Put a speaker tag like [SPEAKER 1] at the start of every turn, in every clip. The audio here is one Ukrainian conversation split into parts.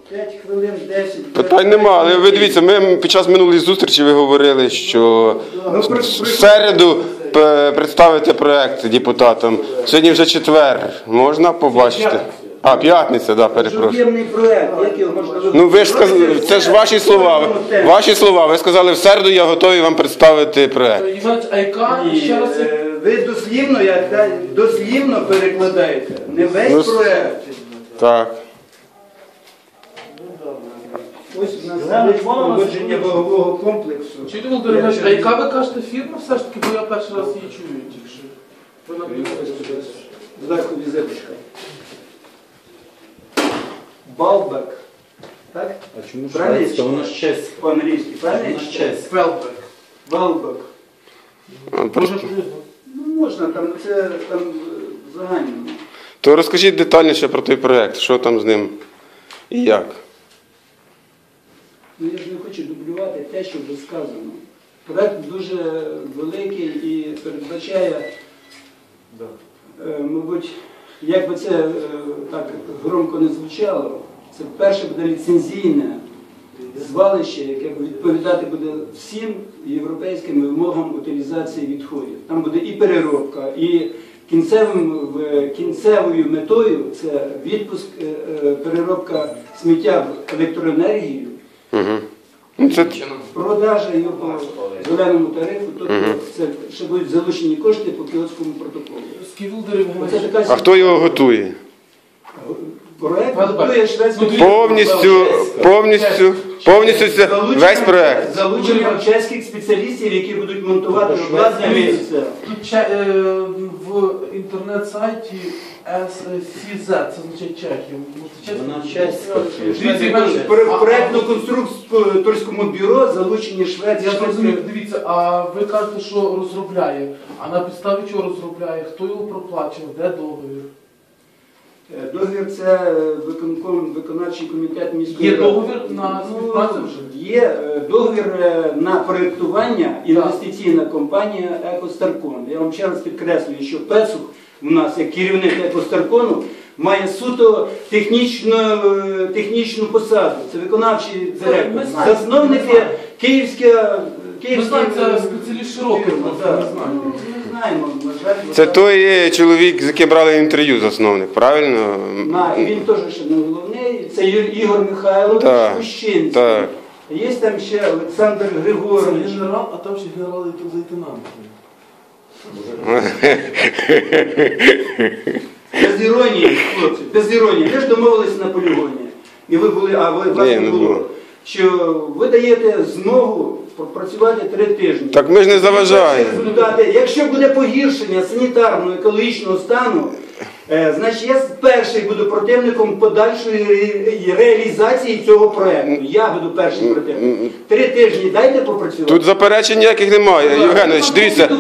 [SPEAKER 1] 5 хвилин, 10.
[SPEAKER 2] Питань нема, але ви дивіться, ми під час минулої зустрічі ви говорили, що в середу представите проект депутатам. Сьогодні вже четвер. Можна побачити? А, п'ятниця, да, перепрошую.
[SPEAKER 1] Об'ємний проект, як його можна вибрати?
[SPEAKER 2] Ну ви ж сказали, це ж ваші слова. Ваші слова. Ви сказали, в середу я готовий вам представити проект.
[SPEAKER 3] Іванович, а яка ще раз?
[SPEAKER 1] Ви дослівно перекладаєте, не весь проект.
[SPEAKER 2] Так.
[SPEAKER 1] Ось у нас є погодження вагового комплексу.
[SPEAKER 3] Чуєте, Володимир Іванович, а яка ви кажете фірма все ж таки, бо я перший раз її чую тільки що. Ви написали.
[SPEAKER 1] Зверху візиточка. Балбек. Так?
[SPEAKER 4] А чому
[SPEAKER 1] Правильно?
[SPEAKER 4] шведська? Вона ж чеська.
[SPEAKER 1] По-англійськи, правильно?
[SPEAKER 4] Вона ж чеська.
[SPEAKER 3] Фелбек.
[SPEAKER 1] Балбек.
[SPEAKER 2] Просто...
[SPEAKER 1] Ну можна, там це там загальному.
[SPEAKER 2] То розкажіть детальніше про той проект, що там з ним і як.
[SPEAKER 1] Ну, я ж не хочу дублювати те, що вже сказано. Проект дуже великий і передбачає, мабуть, як би це так громко не звучало, це перше буде ліцензійне звалище, яке відповідати буде всім європейським вимогам утилізації відходів. Там буде і переробка, і кінцевою метою це відпуск, переробка сміття в електроенергію,
[SPEAKER 2] Це...
[SPEAKER 1] продажа його по зеленому тарифу, тобто це ще будуть залучені кошти по Кіотському протоколу.
[SPEAKER 2] А хто його готує?
[SPEAKER 1] Проект готує шведський
[SPEAKER 2] Повністю це весь проект.
[SPEAKER 1] залученням чеських спеціалістів, які будуть монтувати обладнання місця.
[SPEAKER 3] Тут в інтернет-сайті SCZ, це означає Чехію.
[SPEAKER 4] Вона чеська.
[SPEAKER 1] В проєктно-конструкторському бюро залучені
[SPEAKER 3] Я
[SPEAKER 1] шведські.
[SPEAKER 3] зрозумів, дивіться, а ви кажете, що розробляє. А на підставі чого розробляє? Хто його проплачував? Де договір?
[SPEAKER 1] Договір – це виконавчий комітет міської
[SPEAKER 3] Є
[SPEAKER 1] ради.
[SPEAKER 3] договір на співпрацю вже?
[SPEAKER 1] Є договір на проєктування, інвестиційна компанія «Екостаркон». Я вам ще раз підкреслюю, що Пецух у нас, як керівник «Екостаркону», має суто технічну посаду. Це виконавчий директор. Засновники Київська...
[SPEAKER 3] Ми знаємо, це спеціаліст широкий, просто не знаю.
[SPEAKER 1] Не знаємо, на жаль.
[SPEAKER 2] Це той чоловік, з яким брали інтерв'ю, засновник, правильно?
[SPEAKER 1] Він теж ще не головний. Це Ігор Михайлович Кущинський.
[SPEAKER 2] Так.
[SPEAKER 1] Є там ще Олександр Григорович.
[SPEAKER 3] Це генерал, а там ще генерал і лейтенант.
[SPEAKER 1] Без іронії, хлопці, без іронії. Ви ж домовилися на полігоні. І ви були, власне було, що ви даєте змогу працювати 3 тижні.
[SPEAKER 2] Так ми ж не заважаємо.
[SPEAKER 1] Якщо буде погіршення санітарно-екологічного стану, значить я перший буду противником подальшої реалізації цього проєкту. Я буду першим противником. 3 тижні дайте попрацювати.
[SPEAKER 2] Тут заперечень ніяких немає. Євгенович, дивіться.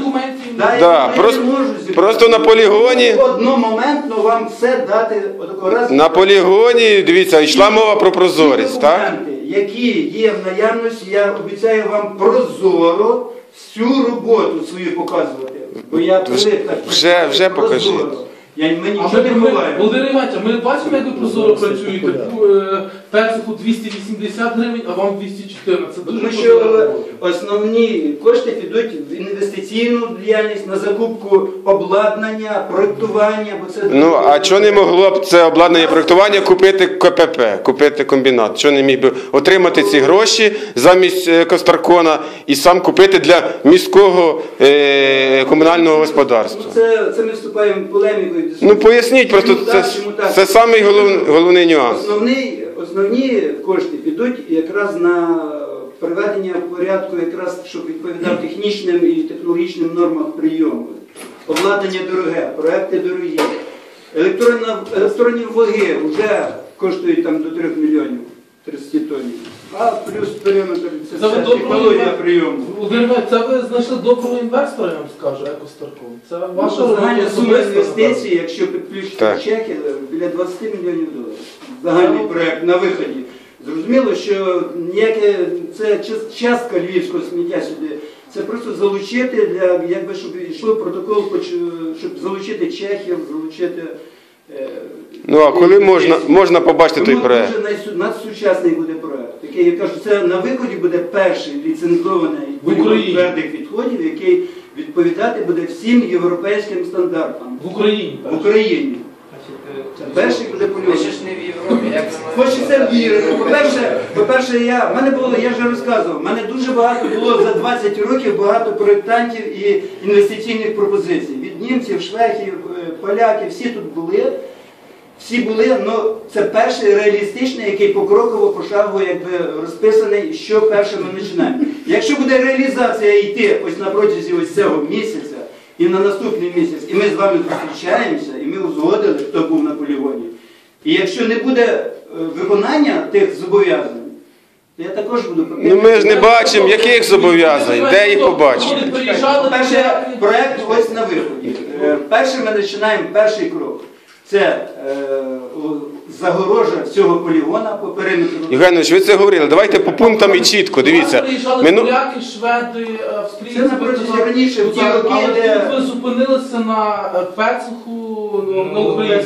[SPEAKER 2] Просто на полігоні.
[SPEAKER 1] Одномоментно вам все дати.
[SPEAKER 2] На полігоні, дивіться, йшла мова про прозорість, так?
[SPEAKER 1] Які є в наявності, я обіцяю вам прозоро всю роботу свою показувати. Бо я
[SPEAKER 2] вже покажіть.
[SPEAKER 1] Ми нічого не ховаємо.
[SPEAKER 3] Володимир Іванович, ми бачимо, як ви прозоро працюєте. Персику 280 гривень, а вам 214. Це дуже
[SPEAKER 1] Тому що основні кошти підуть в інвестиційну діяльність, на закупку обладнання, проєктування.
[SPEAKER 2] Ну, а чого не могло б це обладнання проєктування купити КПП, купити комбінат? Чого не міг би отримати ці гроші замість Костаркона і сам купити для міського комунального господарства?
[SPEAKER 1] Це ми вступаємо в полеміку.
[SPEAKER 2] Ну, поясніть, просто це самий головний нюанс.
[SPEAKER 1] Основні кошти підуть якраз на приведення в порядку, якраз, щоб відповідав технічним і технологічним нормам прийому. Обладнання дороге, проекти дорогі. Електронні ваги вже коштують там до 3 мільйонів 30 тонн. А плюс периметр – це технологія прийому.
[SPEAKER 3] Це ви знайшли доброго інвестора, я вам скажу, Екостаркон. Це ваша
[SPEAKER 1] загальна сума інвестицій, якщо підключити чеки, біля 20 мільйонів доларів. Загальний проєкт на виході. Зрозуміло, що це частка львівського сміття сюди. Це просто залучити, щоб йшов протокол, щоб залучити чехів, залучити
[SPEAKER 2] Ну а коли можна побачити той
[SPEAKER 1] Тому
[SPEAKER 2] проект?
[SPEAKER 1] дуже надсучасний буде проект. Який, я кажу, це на виході буде перший ліцензований
[SPEAKER 3] В Україні.
[SPEAKER 1] твердих відходів, який відповідати буде всім європейським стандартам.
[SPEAKER 3] В Україні.
[SPEAKER 1] В Україні. Перший буде
[SPEAKER 5] Ми
[SPEAKER 1] польовий.
[SPEAKER 5] ще ж не в Європі, як ми
[SPEAKER 1] Хочеться вірити. По-перше, я вже розказував, в мене дуже багато було за 20 років багато проєктантів і інвестиційних пропозицій. Від німців, шведів, поляків, всі тут були. Всі були, але це перший реалістичний, який покроково, пошагово якби розписаний, що перше ми починаємо. Якщо буде реалізація йти ось на протязі ось цього місяця і на наступний місяць, і ми з вами зустрічаємося, і ми узгодили, хто був на полігоні. І якщо не буде виконання тих зобов'язань, то я також буду...
[SPEAKER 2] Ну ми ж не бачимо, яких зобов'язань, де їх побачити.
[SPEAKER 1] Перше, проєкт ось на виході. Перше ми починаємо перший крок. Це загорожа всього полігона по периметру.
[SPEAKER 2] Євгенович, ви це говорили. Давайте по пунктам і чітко. Дивіться.
[SPEAKER 3] Приїжджали поляки, шведи, австрійці.
[SPEAKER 1] Це на протязі раніше, в ті роки,
[SPEAKER 3] Але
[SPEAKER 1] де...
[SPEAKER 3] тут ви зупинилися на Пецуху, на Україні.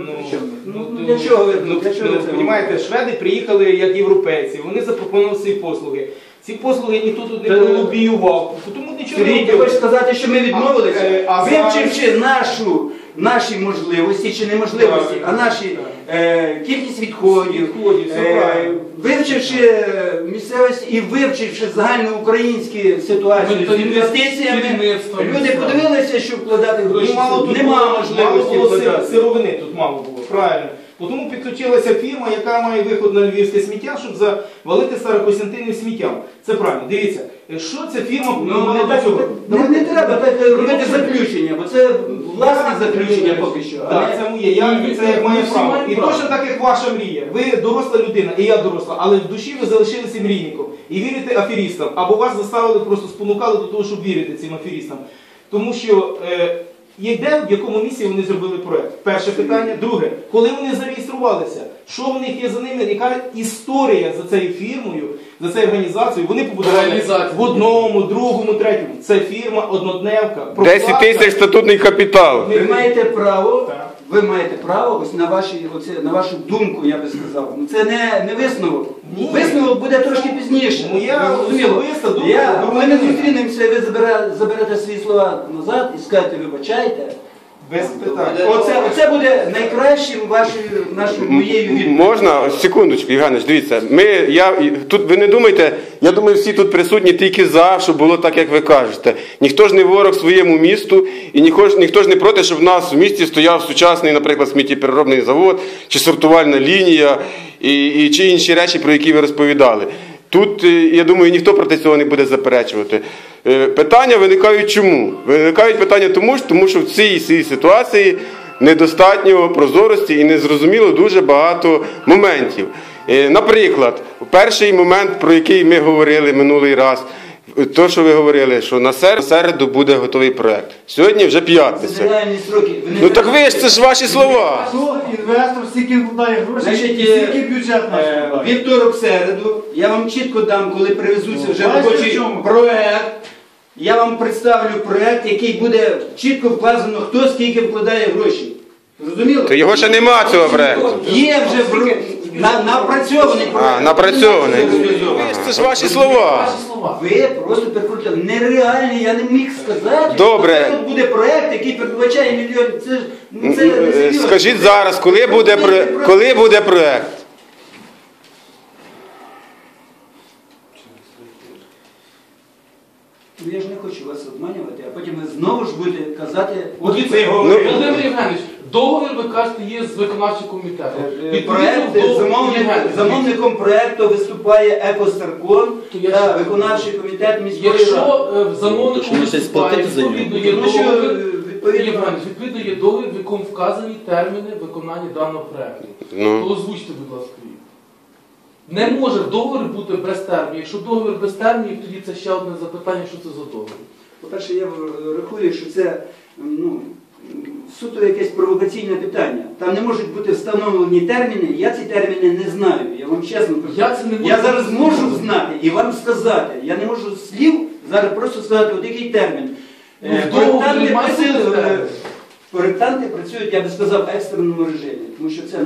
[SPEAKER 1] Для чого ви?
[SPEAKER 6] Ну,
[SPEAKER 1] Для чого ви це
[SPEAKER 6] понімаєте, шведи приїхали як європейці, вони запропонували свої послуги. Ці послуги ніхто тут не лобіював, тому нічого не
[SPEAKER 1] Сергій, ти
[SPEAKER 6] робили.
[SPEAKER 1] хочеш сказати, що ми відмовилися?
[SPEAKER 6] А
[SPEAKER 1] Вивчивши наші можливості чи неможливості, а наші кількість відходів,
[SPEAKER 6] все правильно.
[SPEAKER 1] вивчивши місцевість і вивчивши загальноукраїнські ситуації з інвестиціями, люди подивилися, що вкладати гроші. Нема можливості
[SPEAKER 6] мало було
[SPEAKER 1] вкладати.
[SPEAKER 6] сировини тут мало було, правильно. Тому підключилася фірма, яка має виход на львівське сміття, щоб завалити Старокостянтинів сміттям. Це правильно. Дивіться, що ця фірма
[SPEAKER 1] Ну, не треба так робити заключення, бо це власне заключення поки що.
[SPEAKER 6] Так, це моє, це як моє право. І точно так, як ваша мрія. Ви доросла людина, і я доросла, але в душі ви залишилися мрійником. І вірите аферістам. Або вас заставили, просто спонукали до того, щоб вірити цим аферістам. Тому що в якому місці вони зробили проєкт? Перше питання. Друге, коли вони зареєструвалися, що в них є за ними, яка історія за цією фірмою, за цією організацією, вони побудували в одному, другому, третьому. Це фірма однодневка.
[SPEAKER 2] 10 тисяч статутний капітал.
[SPEAKER 1] Ви маєте право ось на вашу думку, я би сказав. Ну, це не висновок.
[SPEAKER 6] Ні.
[SPEAKER 1] Висновок буде трошки пізніше.
[SPEAKER 6] Моя особиста думка.
[SPEAKER 1] Ми не зустрінемося, і ви заберете свої слова назад і скажете, вибачайте.
[SPEAKER 6] Без питань.
[SPEAKER 1] Оце буде найкращим моєю відповіддю.
[SPEAKER 2] Можна? Секундочку, Євгенович, дивіться. Тут ви не думайте, я думаю, всі тут присутні тільки за, щоб було так, як ви кажете. Ніхто ж не ворог своєму місту, і ніхто ж не проти, щоб в нас в місті стояв сучасний, наприклад, сміттєпереробний завод, чи сортувальна лінія, чи інші речі, про які ви розповідали. Тут, я думаю, ніхто проти цього не буде заперечувати. Питання виникають чому? Виникають питання тому що в цій ситуації недостатньо прозорості і незрозуміло дуже багато моментів. Наприклад, перший момент, про який ми говорили минулий раз, то, що ви говорили, що на середу буде готовий проєкт. Сьогодні вже п'ятниця.
[SPEAKER 1] Це реальні строки.
[SPEAKER 2] Ну так ви ж, це ж ваші слова.
[SPEAKER 7] Інвестор стільки вкладає гроші,
[SPEAKER 1] Значить,
[SPEAKER 7] і стільки бюджет наш вкладає.
[SPEAKER 1] вівторок, середу, я вам чітко дам, коли привезуться вже
[SPEAKER 7] бачите,
[SPEAKER 1] робочий
[SPEAKER 7] в чому?
[SPEAKER 1] проект. Я вам представлю проект, який буде чітко вказано, хто скільки вкладає гроші. Зрозуміло?
[SPEAKER 2] То його ще нема, цього проєкту.
[SPEAKER 1] Є вже напрацьований проект.
[SPEAKER 2] Напрацьований. Це ж ваші слова.
[SPEAKER 3] Ваші слова.
[SPEAKER 1] Ви просто перекрутили. Нереальний, я не міг сказати.
[SPEAKER 2] Добре.
[SPEAKER 1] Що тут буде проект, який передбачає мільйон. Це несерйозно.
[SPEAKER 2] Скажіть зараз, коли буде проєкт?
[SPEAKER 1] Ну, я ж не хочу вас обманювати, а потім ви знову ж будете казати,
[SPEAKER 3] От
[SPEAKER 1] от це
[SPEAKER 3] Володимир Євгенович, договір, ви кажете, є з виконавчим комітетом.
[SPEAKER 1] Замовником проєкту виступає Екостарком та виконавчий комітет міської ради.
[SPEAKER 3] Якщо замовником
[SPEAKER 4] Що, ми щось
[SPEAKER 3] виступає,
[SPEAKER 4] платити за нього?
[SPEAKER 3] відповідно є
[SPEAKER 1] Тому що,
[SPEAKER 3] договір,
[SPEAKER 1] відповідно,
[SPEAKER 3] відповідно є договір, в якому вказані терміни виконання даного проєкту.
[SPEAKER 2] Ну.
[SPEAKER 3] То озвучте, будь ласка, їх. Не може договір бути без термінів. Якщо договір без термінів, тоді це ще одне запитання, що це за договір.
[SPEAKER 1] По-перше, я рахую, що це суто якесь провокаційне питання. Там не можуть бути встановлені терміни, я ці терміни не знаю, я вам чесно кажу.
[SPEAKER 3] Я це не можу
[SPEAKER 1] Я зараз
[SPEAKER 3] зрозуміти.
[SPEAKER 1] можу знати і вам сказати. Я не можу слів зараз просто сказати, от який термін.
[SPEAKER 3] Ну, в договорі
[SPEAKER 1] Проєктанти
[SPEAKER 3] має бути
[SPEAKER 1] просили,
[SPEAKER 3] термін.
[SPEAKER 1] проєктанти працюють, я би сказав, в екстреному режимі, тому що це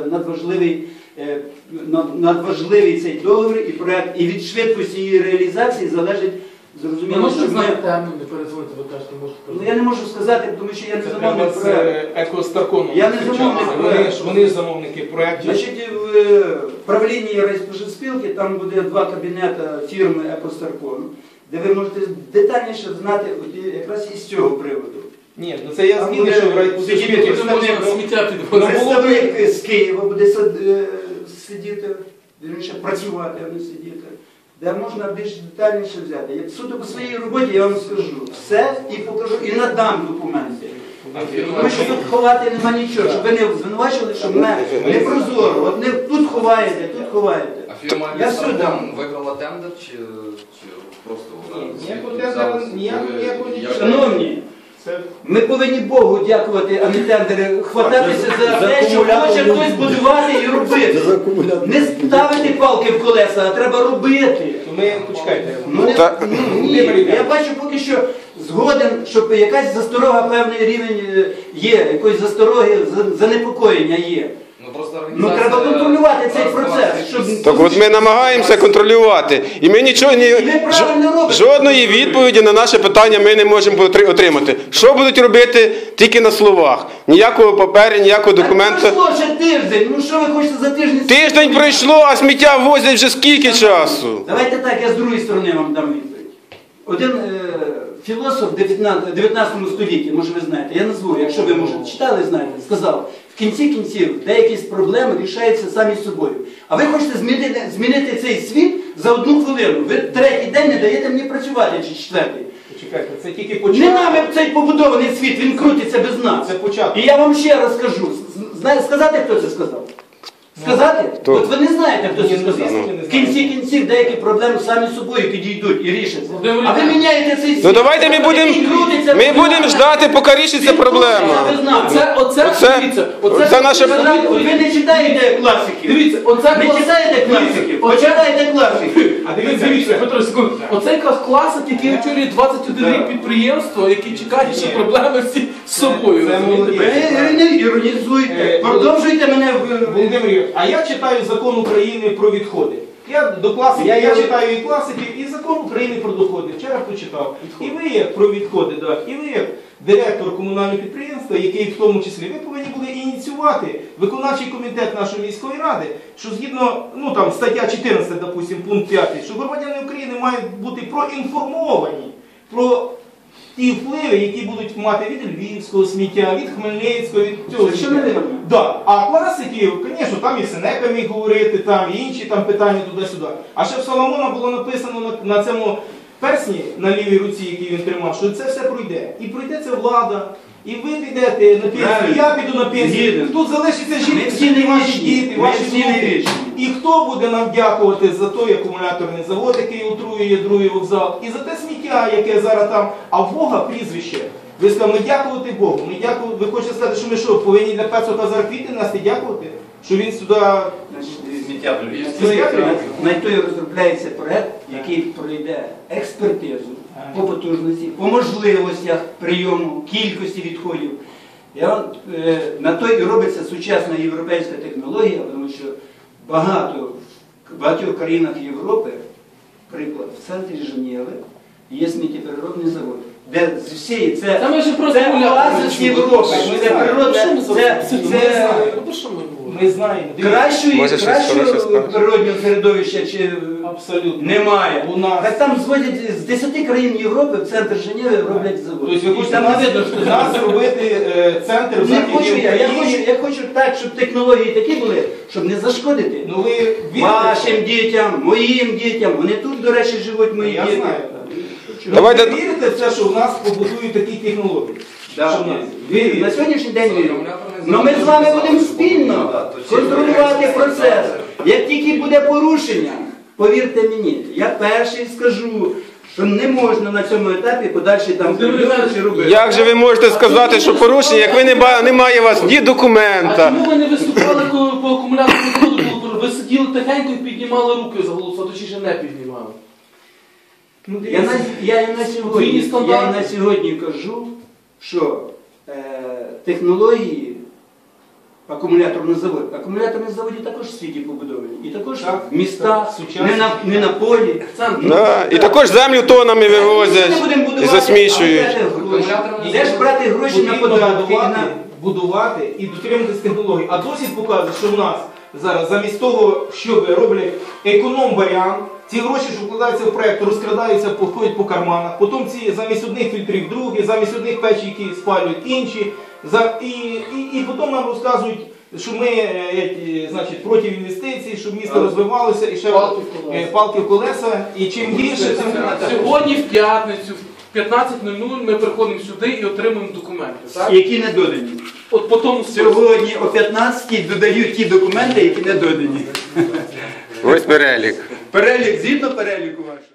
[SPEAKER 1] надважливий цей договір і проєкт, і від швидкості її реалізації залежить,
[SPEAKER 3] Ми
[SPEAKER 1] зрозуміло,
[SPEAKER 3] можемо
[SPEAKER 1] що
[SPEAKER 3] знати
[SPEAKER 1] ми...
[SPEAKER 3] темну, не перезвонити, ви кажете,
[SPEAKER 1] Ну, я не можу сказати, тому що я не
[SPEAKER 6] Це
[SPEAKER 1] замовник
[SPEAKER 6] треба з
[SPEAKER 1] проєкту.
[SPEAKER 6] екостарконом.
[SPEAKER 1] Я не замовник проєкту.
[SPEAKER 6] Вони ж замовники проєктів.
[SPEAKER 1] Значить, в правлінні райспоживспілки там буде 2 кабінети фірми «Екостаркон», де ви можете детальніше знати от якраз із цього приводу.
[SPEAKER 6] Ні, ну це я
[SPEAKER 1] Там
[SPEAKER 6] згідний,
[SPEAKER 1] буде
[SPEAKER 6] що в райпозичпілки.
[SPEAKER 3] Вже можна сміття підвозити.
[SPEAKER 1] Представник з Києва буде сидіти, вірніше працювати, а не сидіти. Де можна більш детальніше взяти. Я суто по своїй роботі я вам скажу все і покажу, і надам документи. Тому що тут ховати нема нічого, щоб ви не звинувачили, що мене не прозоро. От не тут ховаєте, тут ховаєте.
[SPEAKER 5] А фірма
[SPEAKER 1] Я все дам.
[SPEAKER 5] «Екстракон» виграла тендер чи просто вона?
[SPEAKER 6] Ніякого тендера, ніякого нічого.
[SPEAKER 1] Шановні,
[SPEAKER 6] Це
[SPEAKER 1] ми повинні Богу дякувати, а не тендери, хвататися за те, що хоче хтось будувати і робити. Не ставити палки в колеса, а треба робити.
[SPEAKER 6] то ми почекайте.
[SPEAKER 1] Ну, ні, я бачу поки що згоден, щоб якась засторога, певний рівень є, якоїсь застороги, занепокоєння є.
[SPEAKER 5] Ну просто
[SPEAKER 1] Ну
[SPEAKER 5] організація...
[SPEAKER 1] треба контролювати цей процес. Щоб...
[SPEAKER 2] Так от ми намагаємося контролювати. І ми нічого
[SPEAKER 1] правильно робите.
[SPEAKER 2] жодної відповіді на наше питання ми не можемо отримати. Що будуть робити тільки на словах? Ніякого паперу, ніякого документу.
[SPEAKER 1] Так пройшло ще тиждень, ну що ви хочете за тиждень?
[SPEAKER 2] Тиждень пройшло, а сміття возять вже скільки часу?
[SPEAKER 1] Давайте так, я з другої сторони вам дам відповідь. Один філософ в 19 столітті, може ви знаєте, я назву, якщо ви, може, читали, знаєте, сказав, в кінці кінців деякі проблеми рішаються самі собою. А ви хочете змінити цей світ за 1 хвилину. Ви 3-й день не даєте мені працювати, чи 4-й.
[SPEAKER 6] Почекайте, це тільки
[SPEAKER 1] Не
[SPEAKER 6] початок.
[SPEAKER 1] нами цей побудований світ, він крутиться без нас.
[SPEAKER 6] Це початок.
[SPEAKER 1] І я вам ще раз скажу. Сказати, хто це сказав? Сказати?
[SPEAKER 2] Хто?
[SPEAKER 1] От ви не знаєте, хто це
[SPEAKER 6] Ні, ну,
[SPEAKER 1] сказав.
[SPEAKER 6] звісно, не
[SPEAKER 1] В кінці кінців деякі проблеми самі собою підійдуть і рішаться.
[SPEAKER 3] Володимир
[SPEAKER 1] А ви
[SPEAKER 3] Ілліч.
[SPEAKER 1] міняєте цей світ.
[SPEAKER 2] Ну давайте ми
[SPEAKER 1] який крутиться без
[SPEAKER 2] будемо
[SPEAKER 1] нас.
[SPEAKER 2] ждати, поки рішиться
[SPEAKER 1] Він
[SPEAKER 2] проблема.
[SPEAKER 1] крутиться без нас.
[SPEAKER 3] Дивіться,
[SPEAKER 2] Оце наше-
[SPEAKER 1] Ви не читаєте класиків.
[SPEAKER 3] Дивіться,
[SPEAKER 1] Не читаєте класиків. Почитайте класиків.
[SPEAKER 6] А
[SPEAKER 3] Дивіться, Петро, секунду. Оце якраз класик, який очолює 21 рік підприємство, який чекає, що проблеми всі з собою.
[SPEAKER 6] Це
[SPEAKER 3] розумієте?
[SPEAKER 6] молодець.
[SPEAKER 1] Ви не іронізуйте. Продовжуйте мене
[SPEAKER 6] Володимир Юрійович, а я читаю закон України про відходи. Я до класиків, я читаю і класиків, і закон України про доходи. Вчора прочитав. І ви як про відходи, да, і ви як директор комунального підприємства, який в тому числі, ви повинні були ініціювати виконавчий комітет нашої міської ради, що згідно, ну там стаття 14, допустим, пункт 5, що громадяни України мають бути проінформовані про ті впливи, які будуть мати від львівського сміття, від Хмельницького, від цього.
[SPEAKER 1] Що не вірно?
[SPEAKER 6] Да. А класиків, звісно, там і Сенека міг говорити, там і інші там питання туди-сюди. А ще в Соломона було написано на цьому персні на лівій руці, який він тримав, що це все пройде. І пройде це влада, і ви підете на пенсію,
[SPEAKER 1] Правильно.
[SPEAKER 6] і я піду на пенсію.
[SPEAKER 1] Згідно.
[SPEAKER 6] Тут залишиться
[SPEAKER 1] Ми
[SPEAKER 6] жінки,
[SPEAKER 1] всі не
[SPEAKER 6] ваші
[SPEAKER 1] вічні.
[SPEAKER 6] діти,
[SPEAKER 1] Ми
[SPEAKER 6] ваші
[SPEAKER 1] всі не
[SPEAKER 6] внуки.
[SPEAKER 1] вічні.
[SPEAKER 6] І хто буде нам дякувати за той акумуляторний завод, який отруює другий вокзал, і за те сміття, яке зараз там, а в Бога прізвище. Ви сказали, ми дякувати Богу. Ви хочете сказати, що ми що, повинні для Пецока зараз квіти нести дякувати? Що він сюди...
[SPEAKER 1] На той розробляється проект, який пройде експертизу по потужності, по можливостях прийому, кількості відходів. На той і робиться сучасна європейська технологія, тому що в багатьох країнах Європи, приклад, в центрі Женєви є сміттєпереробний завод. Де з всієї це
[SPEAKER 3] Та ми ж просто
[SPEAKER 1] оазис Європи, це природне,
[SPEAKER 3] Про що ми говоримо?
[SPEAKER 6] Ми знаємо.
[SPEAKER 1] кращого
[SPEAKER 2] Може, щось хороше скажеш?
[SPEAKER 1] природнього середовища чи
[SPEAKER 6] Абсолютно.
[SPEAKER 1] немає.
[SPEAKER 6] У нас.
[SPEAKER 1] Так там зводять з 10 країн Європи в центр Женєви роблять завод.
[SPEAKER 6] Тобто ви
[SPEAKER 1] І
[SPEAKER 6] хочете
[SPEAKER 1] там не видно, що
[SPEAKER 6] нас зробити центр в
[SPEAKER 1] не
[SPEAKER 6] Західній
[SPEAKER 1] хочу я.
[SPEAKER 6] Україні?
[SPEAKER 1] Я хочу так, щоб технології такі були, щоб не зашкодити.
[SPEAKER 6] Ну ви вірите?
[SPEAKER 1] Вашим дітям, моїм дітям. Вони тут, до речі, живуть мої
[SPEAKER 6] Я
[SPEAKER 1] діти.
[SPEAKER 6] знаю.
[SPEAKER 2] Давайте-
[SPEAKER 6] Ви вірите в це, що в нас побудують такі технології?
[SPEAKER 1] Да.
[SPEAKER 6] Що в нас?
[SPEAKER 1] Вірю. На сьогоднішній день вірю.
[SPEAKER 5] Акумуляторний
[SPEAKER 1] Но ми з вами
[SPEAKER 5] завод
[SPEAKER 1] будемо
[SPEAKER 5] завтра
[SPEAKER 1] спільно
[SPEAKER 5] буде, то
[SPEAKER 1] контролювати
[SPEAKER 5] чи-
[SPEAKER 1] процес. Як тільки буде порушення, повірте мені, я перший скажу, що не можна на цьому етапі подальші там чи робити.
[SPEAKER 2] Як же ви можете сказати, що порушення, як ви немає у вас ні
[SPEAKER 3] А
[SPEAKER 2] документа?
[SPEAKER 3] чому ви не виступали по акумуляторному заводу? Ви сиділи тихенько і піднімали руки за голосувати, чи ще не піднімали?
[SPEAKER 6] Ну,
[SPEAKER 1] Я і на
[SPEAKER 3] Подвійні стандарти.
[SPEAKER 1] сьогодні кажу, що технології акумуляторного заводу. Акумуляторні заводи також в світі побудовані. І також
[SPEAKER 6] Так,
[SPEAKER 1] в містах,
[SPEAKER 6] так, сучасні.
[SPEAKER 1] не на полі.
[SPEAKER 2] Да. І також землю тонами вивозять і засмічують.
[SPEAKER 1] Де ж брати гроші на
[SPEAKER 6] Потрібно
[SPEAKER 1] податки?
[SPEAKER 6] будувати і дотримуватись технологій. А досвід показує, що в нас зараз замість того, що роблять економ-варіант, ці гроші, що вкладаються в проєкт, розкрадаються, походять по карманах. Потім ці замість одних фільтрів другі, замість одних печей, які спалюють інші. І потім нам розказують, що ми значить, проти інвестицій, щоб місто розвивалося, і ще палки в колеса. І чим гірше, тим
[SPEAKER 3] Сьогодні в п'ятницю, в 15:00 ми приходимо сюди і отримуємо документи. Так?
[SPEAKER 1] Які не додані.
[SPEAKER 3] От по тому
[SPEAKER 1] Сьогодні о 15-й додають ті документи, які не додані.
[SPEAKER 2] Ось перелік.
[SPEAKER 1] Перелік, згідно переліку вашого.